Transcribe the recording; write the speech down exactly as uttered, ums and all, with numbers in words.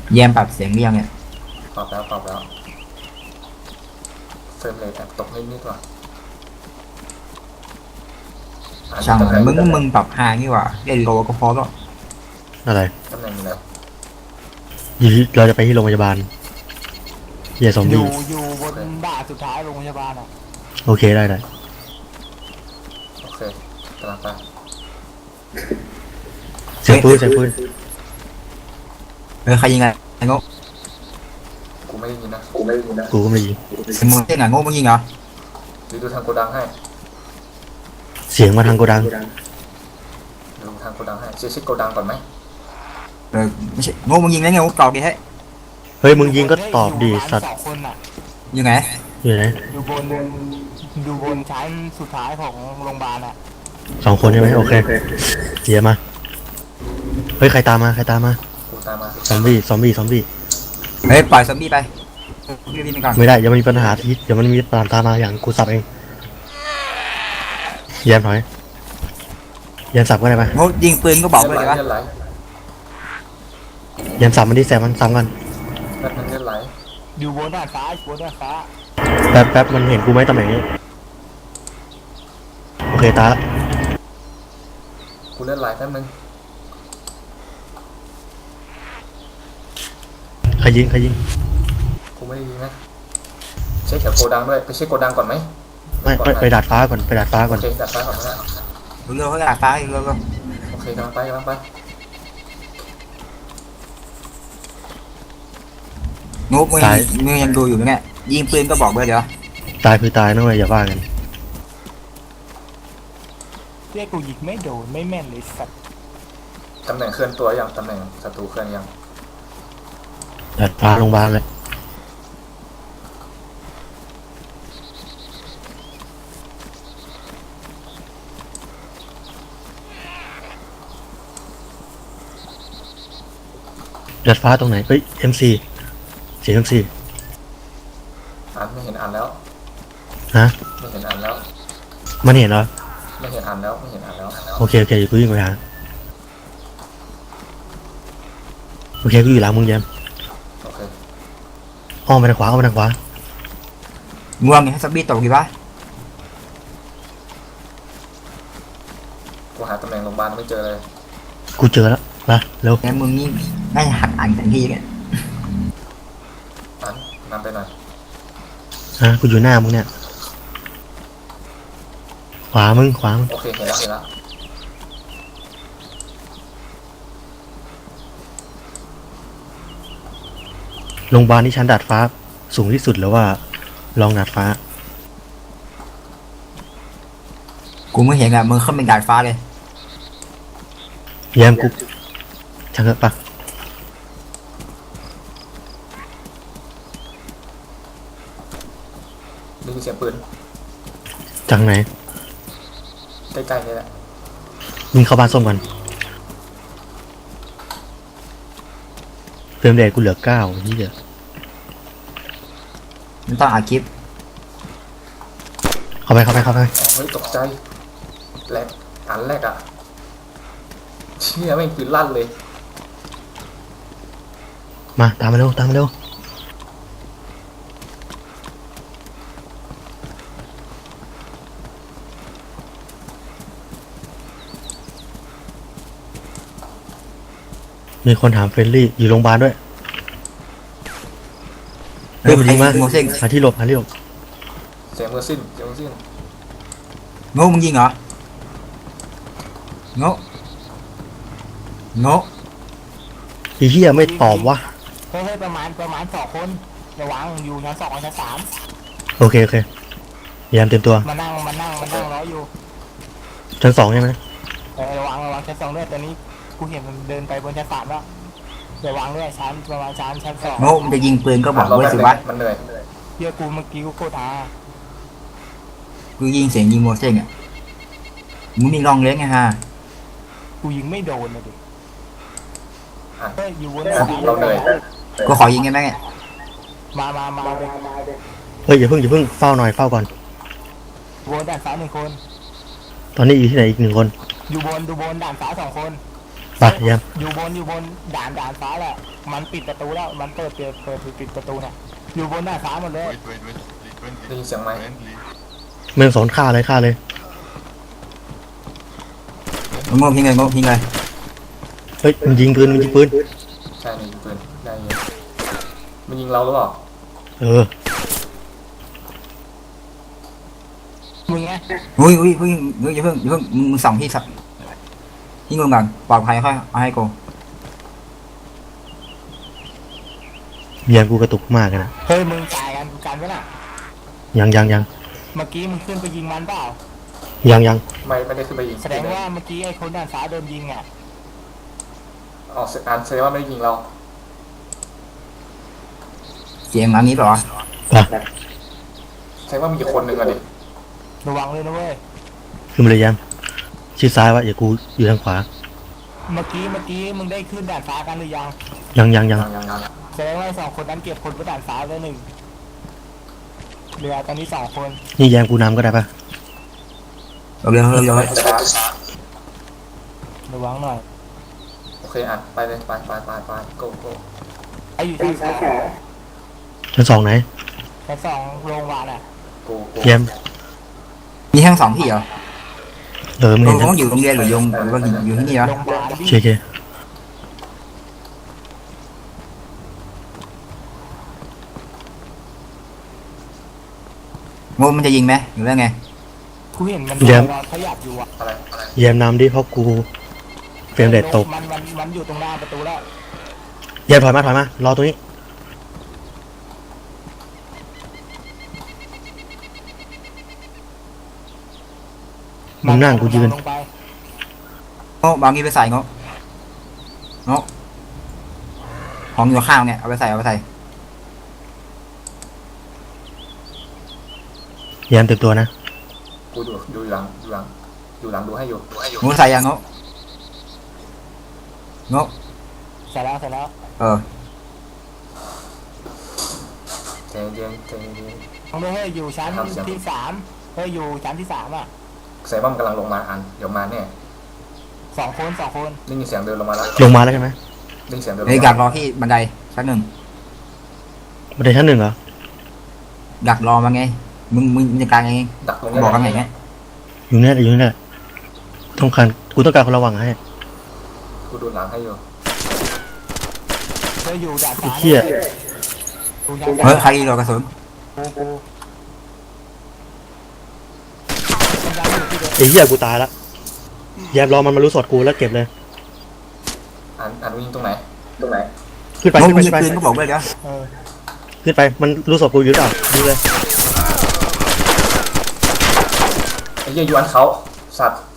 แยมปรับเสียงเรียงเนี่ยปรับแล้วปรับแล้วเฟรมเรทแอบตกนิดนิดว่ะช่างมันมึงมึงปรับห่างนี่หว่าเล่นโลก็พอแล้วอะไรตำแหน่งแล้วอยู่เราจะไปที่โรงพยาบาลเฮียซอมอยู่บี้อยู่บนด่านสุดท้ายโรงพยาบาลอ่ะโอเคได้ได้โอเคกำลังไปเสียงปืนเสียงปืนเออใครยิงไงงกกูไม่ได้ยินนะกูไม่ได้ยินนะกูก็ไม่ยิงมึงเล่นไงงกมึงยิงเหรอดูดูทางโกดังให้เสียงมาทางโกดังดูทางโกดังให้เช็คเช็คโกดังก่อนไหมเออไม่ใช่งกมึงยิงแล้วไงงกตอบดิให้เฮ้ยมึงยิงก็ตอบดีสัตว์ยังไงอยู่ไหนอยู่บนอยู่บนชั้นสุดท้ายของโรงพยาบาลอ่ะสองคนใช่ไหมโอเคเฮียมาเฮ้ยใครตามมาใครตามมากูตามมาซอมบี้ซอมบี้ซอมบี้เฮ้ยปล่อยซอมบี้ไปรีบๆไปก่อนไม่ได้ยังมีปัญหาที่เดี๋ยวมันมีตามตามมาอย่างกูสับเองเยี่ยมหน่อยเยี่ยมสับก็ได้ปะงกยิงปืนก็บอกเลยดีวะเยี่ยมสับมันที่แสบมันซ้ำกันแป๊บนึงเลือดไหลอยู่บนด้านซ้ายบนด้านฟ้าแป๊บแป๊บมันเห็นกูไหมตำแหน่งนี้โอเคตาละกูเลือดไหลแป๊บนึงใครยิงใครยิงกูไม่ได้ยิงนะเช็คแถวโกดังด้วยไปเช็คโกดังก่อนไหมไม่ไปไปดาดฟ้าก่อนไปดาดฟ้าก่อนโอเคดาดฟ้าก่อนนะเร็วๆเขาดาดฟ้าเร็วๆโอเคกำลังไปกำลังไปงกมึงมึงยังดูอยู่ไหมเนี่ยยิงปืนก็บอกเลยเดี๋ยวตายคือตายนะเว้ยอย่าว่ากันเรียกกูยิงไม่โดนไม่แม่นเลยสัตว์ตำแหน่งเคลื่อนตัวยังตำแหน่งศัตรูเคลื่อนยังดาดฟ้าโรงพยาบาลเลยดาดฟ้าตรงไหนเฮ้ย เอ็ม ซี เสียง เอ็ม ซีอ่านไม่เห็นอ่านแล้วฮะไม่เห็นอ่านแล้วมันเห็นเหรอไม่เห็นอ่านแล้วไม่เห็นอ่านแล้วโอเคโอเคอยู่กูยิงไปหาโอเคกูอยู่หลังมึงแยมโอเคอ้อมไปทางขวาอ้อมไปทางขวาง่วงไงให้ซอมบี้ตกดีวะกูหาตำแหน่งโรงพยาบาลไม่เจอเลยกูเจอแล้วมาเร็วแกมึงนี่ไม่หักอ่านแต่ทีเนี่ยอ่านนำไปหน่อยฮะกูอยู่หน้ามึงเนี่ยขวามึงขวามึงโอเคเห็นแล้วเห็นแล้วโรงพยาบาลที่ชั้นดาดฟ้าสูงที่สุดหรือว่าลองดาดฟ้ากูไม่เห็นอะมึงขึ้นเป็นดาดฟ้าเลยแยมกูช่างเถอะปะได้ยินเสียงปืนจากไหนใกล้ๆนี่แหละมึงเข้าบ้านส้มกันเติมเดชกูเหลือเก้าที่เดียวมันต้องอัดคลิปเข้าไปเข้าไปเข้าไปเฮ้ยตกใจแรกอันแรกอ่ะเชี่ยไม่ปืนลั่นเลยมาตามมาเร็วตามมาเร็วมีคนถามเฟรนลี่อยู่โรงพยาบาลด้วยเฮ้ยมันยิงมาหาที่หลบหาที่หลบเสียงมือสิ้นเสียงมือสิ้นโง่มึงยิงเหรอโง่โง่อีเหี้ยไม่ตอบวะเฮ้ยประมาณประมาณสองคนระวังอยู่ชั้นสองชั้นสามโอเคโอเคพยายามเตรียมตัวมานั่งมานั่งมานั่งรออยู่ชั้นสองใช่ไหมเออระวังระวังชั้นสองด้วยตอนนี้กูเห็นมันเดินไปบนชั้นสามแล้วระวังด้วยชั้นประมาณชั้นชั้นสองโง่มันจะยิงปืนก็บอกด้วยสิวะมันเหนื่อยเฮียกูเมื่อกี้กูโคตรอากูยิงเสียงยิงโมเสกอ่ะมึงมีลองเลี้ยงไงฮะกูยิงไม่โดนเลยดิเฮ้ยอยู่บนเราเหนื่อยกูขอยิงไงแม่เนี่ยมามามาเฮ้ยอย่าเพิ่งอย่าเพิ่งเฝ้าหน่อยเฝ้าก่อนบนด่านฟ้าหนึ่งคนตอนนี้อยู่ที่ไหนอีกหนึ่งคนอยู่บนดูบนด่านฟ้าสองคนไปเยี่ยมอยู่บนอยู่บนด่านด่านฟ้าแหละมันปิดประตูแล้วมันเปิดเปิดเปิดปิดปิดประตูเนี่ยอยู่บนด่านฟ้าหมดเลย Wait, wait, wait. Lead friendly. ได้ยินเสียงไหม Friendly. เมืองสอนฆ่าเลยฆ่าเลยโง่พิงเลยโง่พิงเลยเฮ้ยมันยิงปืนมันยิงปืนใช่มีปืนได้ยิงมันยิงเราหรือเปล่าเออมึงไงอุ้ยอุ้ยอุ้ยอุ้ยอย่าเพิ่งอย่าเพิ่งมึงส่องที่สักที่มึงก่อนปลอดภัยค่อยเอาให้กูเยี่ยมกูกระตุกมากเลยนะเฮ้ยมึงจ่ายกันกันวะน่ะยังยังยังเมื่อกี้มึงขึ้นไปยิงมันเปล่ายังยังไม่ไม่ได้ขึ้นไปยิงแสดงว่าเมื่อกี้ไอ้คนด่านฟ้าโดนยิงอ่ะอ๋ออันแสดงว่าไม่ได้ยิงเราเสียงอันนี้เปล่าวะอ่ะแสดงว่ามีคนหนึ่งอะดิระวังเลยนะเว้ยขึ้นมาเลยเยี่ยมชิดซ้ายไวะอย่ากูอยู่ทางขวาเมื่อกี้เมื่อกี้มึงได้ขึ้นด่านฟ้ากันหรือยังยังยังยังยังยังยังแสดงว่าไอ้สองคนนั้นเก็บคนบนด่านฟ้าแล้วหนึ่งเหลือตอนนี้สองคนนี่แยมกูนำก็ได้ปะเราเร็วเราเร็วระวังหน่อยโอเคอ่ะไปเลยไปไปไปไปโก้โก้ไอ้อยู่ชั้นสองชั้นสองไหนชั้นสองโรงพยาบาลอ่ะโก้โก้เยี่ยมมีทั้งสองที่เหรอเออมึงเขาเห็นนะต้องอยู่โรงเรียนหรือยงหรือว่าอยู่ที่นี่วะโรงพยาบาลโอที่เคโอเคโง่มันจะยิงไหมหรือว่าไงกูเห็นมันนอนขยับอยู่อ่ะอะไรอะไรเยี่ยมนำดิเพราะกูเฟรมเรทตกมันมันมันอยู่ตรงหน้าประตูแล้วเยี่ยมถอยมาถอยมารอตรงนี้ มึงนั่งกูยืนลงไปโง่บางทีไปใส่โง่โง่ของอยู่ข้างเนี่ยเอาไปใส่เอาไปใส่เยี่ยมเต็มตัวนะกูดูดูหลังดูหลังดูหลังดูให้อยู่ดูให้อยู่โง่ใส่ยังโง่โง่เสร็จแล้วเสร็จแล้วเออใจเย็นใจเย็นต้องด้วยเฮ้ยอยู่ชั้นครับเสียงที่สามเฮ้ยอยู่ชั้นที่สามอ่ะแสดงว่ามันกำลังลงมาอันเดี๋ยวมาเนี่ยสองคนสองคนได้ยินเสียงเดินลงมาแล้วลงมาแล้วใช่ไหมได้ยินเสียงเดินลงเฮ้ยมาดักรอที่บันไดชั้นหนึ่งบันไดชั้นหนึ่งเหรอดักรอมาไงมึงมึงจัดการเองดักตรงกูนี้บอกกันไงเนี่ยอยู่เนี่ยอยู่เนี่ยต้องการกูต้องการคนระวังให้กูดูหลังให้อยู่เฮ้ยอยู่ด่านไอ้ฟ้าเหี้ยอยู่ชั้นเฮ้ยสามใครรอกระสุนมันยังอยู่ที่เดิมไอ้เหี้ยกูตายละแยมรอมันมารู้สดกูแล้วเก็บเลยอันอันวิ่งตรงไหนตรงไหนขึ้นไปโง่ขึ้นไปมีขึ้นไปปืนก็บอกเลยเดี๋ยวเออขึ้นไปมันรู้สดกูอยู่หรือเปล่าดูเลยไอ้เหี้ยยวนเขาสัตว์